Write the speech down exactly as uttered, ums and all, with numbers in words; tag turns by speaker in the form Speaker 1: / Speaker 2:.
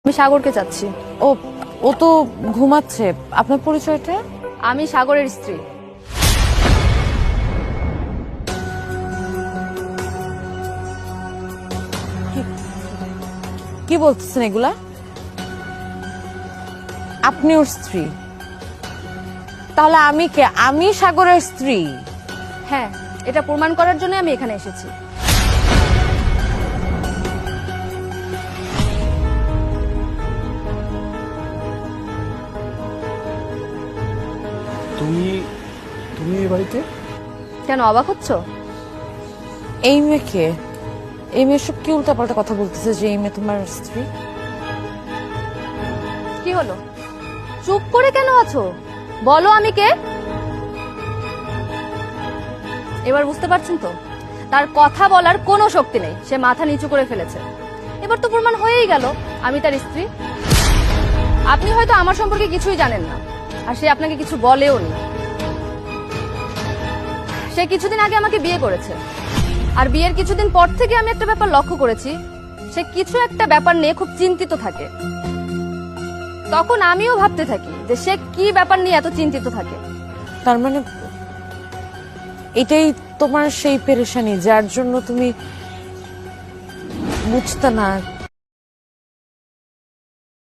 Speaker 1: আমি সাগরকে চাচ্ছি।
Speaker 2: ও ও তো ঘুমাচ্ছে। আপনার পরিচয়টা?
Speaker 1: আমি সাগরের স্ত্রী।
Speaker 2: কি বলতেছেন এগুলা? আপনি ওর স্ত্রী? তাহলে আমি কে? আমি সাগরের স্ত্রী?
Speaker 1: হ্যাঁ, এটা প্রমাণ করার জন্য আমি এখানে এসেছি।
Speaker 3: তুমি তুমি এই বাড়িতে?
Speaker 1: কেন অবাক হচ্ছ?
Speaker 2: এই মেয়েকে? এই মেয়ে সব কি উল্টাপাল্টা কথা বলতেছে যে এই মেয়ে তোমার স্ত্রী?
Speaker 1: কি হলো, চুপ করে কেন আছো? বলো আমি কে। এবার বুঝতে পারছেন তো, তার কথা বলার কোনো শক্তি নেই, সে মাথা নিচু করে ফেলেছে। এবার তো প্রমাণ হয়েই গেল আমি তার স্ত্রী। আপনি হয়তো আমার সম্পর্কে কিছুই জানেন না, আর সে আপনাকে কিছু বলেও নি। সে কিছুদিন আগে আমাকে বিয়ে করেছে, আর বিয়ের কিছুদিন পর থেকে আমি একটা ব্যাপার লক্ষ্য করেছি, সে কিছু একটা ব্যাপার নিয়ে খুব চিন্তিত থাকে। তখন আমিও ভাবতে থাকি যে সে কি ব্যাপার নিয়ে এত চিন্তিত থাকে।
Speaker 2: তার মানে এটাই তোমার সেই পেরেশানি যার জন্য তুমি বুঝতে না